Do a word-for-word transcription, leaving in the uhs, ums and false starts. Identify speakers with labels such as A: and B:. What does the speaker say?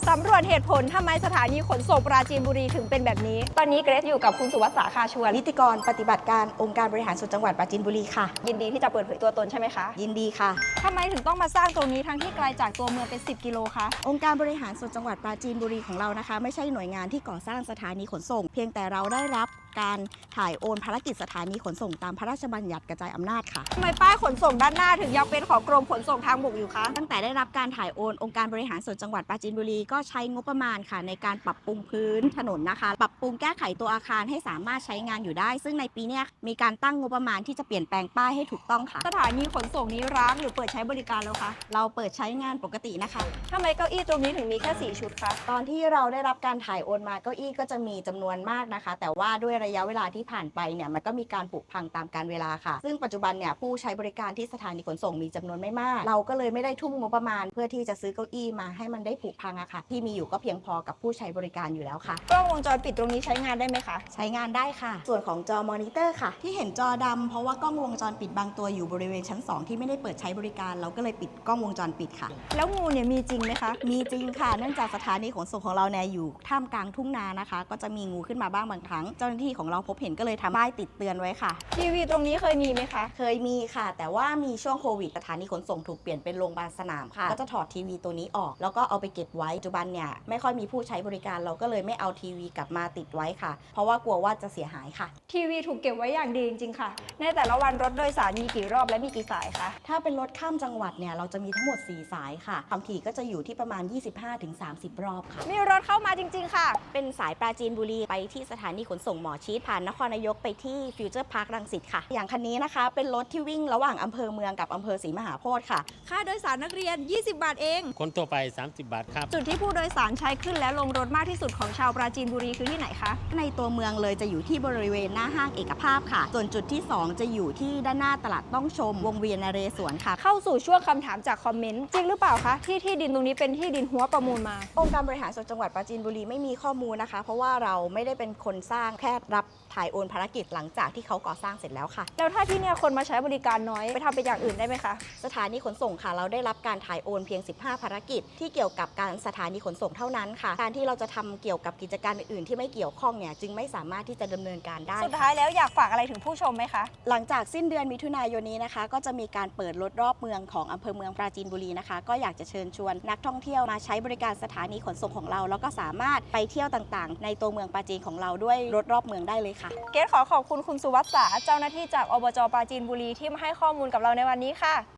A: สำรวจเหตุผลทำไมสถานีขนส่งปราจีนบุรีถึงเป็นแบบนี้ ตอนนี้เกรซอยู่กับคุณสุวัสดิ์สาคาชวน
B: นิติกรปฏิบัติการองค์การบริหารส่วนจังหวัดปราจีนบุรีค่ะ
A: ยินดีที่จะเปิดเผยตัวตนใช่ไหมคะ
B: ยินดีค่ะ
A: ทำไมถึงต้องมาสร้างตรงนี้ทั้งที่ไกลจากตัวเมืองเป็นสิบกิโลคะ
B: องค์การบริหารส่วนจังหวัดปราจีนบุรีของเรานะคะไม่ใช่หน่วยงานที่ก่อสร้างสถานีขนส่งเพียงแต่เราได้รับการถ่ายโอนภารกิจสถานีขนส่งตามพระราชบัญญัติกระจายอำนาจค่ะ
A: ทำไมป้ายขนส่งด้านหน้าถึงยังเป็นของกรมขนส่งทางบกอยู่คะ
B: ตั้งแต่ได้รับการถ่ายโอนองค์การบริหารส่วนจังหวัดปราจีนบุรีก็ใช้งบประมาณค่ะในการปรับปรุงพื้นถนนนะคะปรับปรุงแก้ไขตัวอาคารให้สามารถใช้งานอยู่ได้ซึ่งในปีนี้มีการตั้งงบประมาณที่จะเปลี่ยนแปลงป้ายให้ถูกต้องค่ะ
A: สถานีขนส่งนี้ร้างหรือเปิดใช้บริการแล้วคะ
B: เราเปิดใช้งานปกตินะคะ
A: ทำไมเก้าอี้ตรงนี้ถึงมีแค่สี่ชุดคะ
B: ตอนที่เราได้รับการถ่ายโอนมาเก้าอี้ก็จะมีจำนวนมากนะคะแต่ว่าด้วยระยะเวลาที่ผ่านไปเนี่ยมันก็มีการผุพังตามกาลเวลาค่ะซึ่งปัจจุบันเนี่ยผู้ใช้บริการที่สถานีขนส่งมีจำนวนไม่มากเราก็เลยไม่ได้ทุ่มงบประมาณเพื่อที่จะซื้อเก้าอี้มาให้มันได้ผุพังอะค่ะที่มีอยู่ก็เพียงพอกับผู้ใช้บริการอยู่แล้วค่ะ
A: กล้องวงจรปิดตรงนี้ใช้งานได้ไหมคะ
B: ใช้งานได้ค่ะส่วนของจอมอนิเตอร์ค่ะที่เห็นจอดำเพราะว่ากล้องวงจรปิดบางตัวอยู่บริเวณชั้นสองที่ไม่ได้เปิดใช้บริการเราก็เลยปิดกล้องวงจรปิดค่ะ
A: แล้วงูเนี่ยมีจริงไหมคะ
B: มีจริงค่ะเนื่องจากสถานีขนส่งของเราเนี่ยอยู่ท่ามกลางทุ่งนานะคะก็จะมีงูขึ้นมาบ้างบางครั้งเจ้าหน้าที่ของเราพบเห็นก็เลยทำป้ายติดเตือนไว้ค่ะ
A: ทีวีตรงนี้เคยมีไหมคะ
B: เคยมีค่ะแต่ว่ามีช่วงโควิดสถานีขนส่งถูกเปลี่ยนเป็นโรงพยาบาลสนามค่ะก็จะถอดทีวีตัวนี้ออกแล้วก็เอาไปเก็บไว้ปัจจุบันเนี่ยไม่ค่อยมีผู้ใช้บริการเราก็เลยไม่เอาทีวีกลับมาติดไว้ค่ะเพราะว่ากลัวว่าจะเสียหายค่ะ
A: ทีวีถูกเก็บไว้อย่างดีจริงๆค่ะในแต่ละวันรถโดยสารมีกี่รอบและมีกี่สายคะ
B: ถ้าเป็นรถข้ามจังหวัดเนี่ยเราจะมีทั้งหมดสี่สายค่ะความถี่ก็จะอยู่ที่ประมาณ ยี่สิบห้าถึงสามสิบ รอบค่ะ
A: มีรถเข้ามาจริงๆค่ะ
B: เป็นสายปราจีนบุรีไปที่สถานีขนส่งหมอชิดผ่านนครนายกไปที่ฟิวเจอร์พาร์ครังสิตค่ะอย่างคันนี้นะคะเป็นรถที่วิ่งระหว่างอำเภอเมืองกับอำเภอศรีมหาโพธิ์ค่ะ
A: ค่าโดยสารนักเรียนยี่สิบบาทเอง
C: คนตัวไปสามสิบบาทครับ
A: จุดที่ผู้โดยสารใช้ขึ้นและลงรถมากที่สุดของชาวปราจีนบุรีคือที่ไหนคะ
B: ในตัวเมืองเลยจะอยู่ที่บริเวณหน้าห้างเอกภาพค่ะส่วนจุดที่สองจะอยู่ที่ด้านหน้าตลาดต้องชมวงเวียนนเรศวรค่ะ
A: เข้าสู่ช่วงคำถามจากคอมเมนต์จริงหรือเปล่าคะที่ที่ดินตรงนี้เป็นที่ดินหัวประมูลมา
B: องค์การบริหารส่วนจังหวัดปราจีนบุรีไม่มีข้อมูลนะคะเพราะว่าเราไม่ได้เป็นคนสร้างแค่รับถ่ายโอนภารกิจหลังจากที่เขาก่อสร้างเสร็จแล้วค่ะ
A: แล้วถ้าที่เนี่ยคนมาใช้บริการน้อยไปทำเป็นอย่างอื่นได้ไหมคะ
B: สถานีขนส่งค่ะเราได้รับการถ่ายโอนเพียงสิบห้าภารกิจที่เกี่ยวกับการสถานีขนส่งเท่านั้นค่ะการที่เราจะทำเกี่ยวกับกิจการอื่นๆที่ไม่เกี่ยวข้องเนี่ยจึงไม่สามารถที่จะดำเนินการได้
A: สุดท้ายแล้วอยากฝากอะไรถึงผู้ชมไหมคะ
B: หลังจากสิ้นเดือนมิถุนายนนี้นะคะก็จะมีการเปิดรถรอบเมืองของอำเภอเมืองปราจีนบุรีนะคะก็อยากจะเชิญชวนนักท่องเที่ยวมาใช้บริการสถานีขนส่งของเราแล้วก็สามารถไปเที่ยวต่างๆในตัวเมืองปราจีนของเราด้วยรถรอบเมืองได้เลยค่ะ
A: เกรซขอขอบคุณคุณสุวัสดิ์สาเจ้าหน้าที่จากอบจปราจีนบุรีที่มาให้ข้อมูลกับเราในวันนี้ค่ะ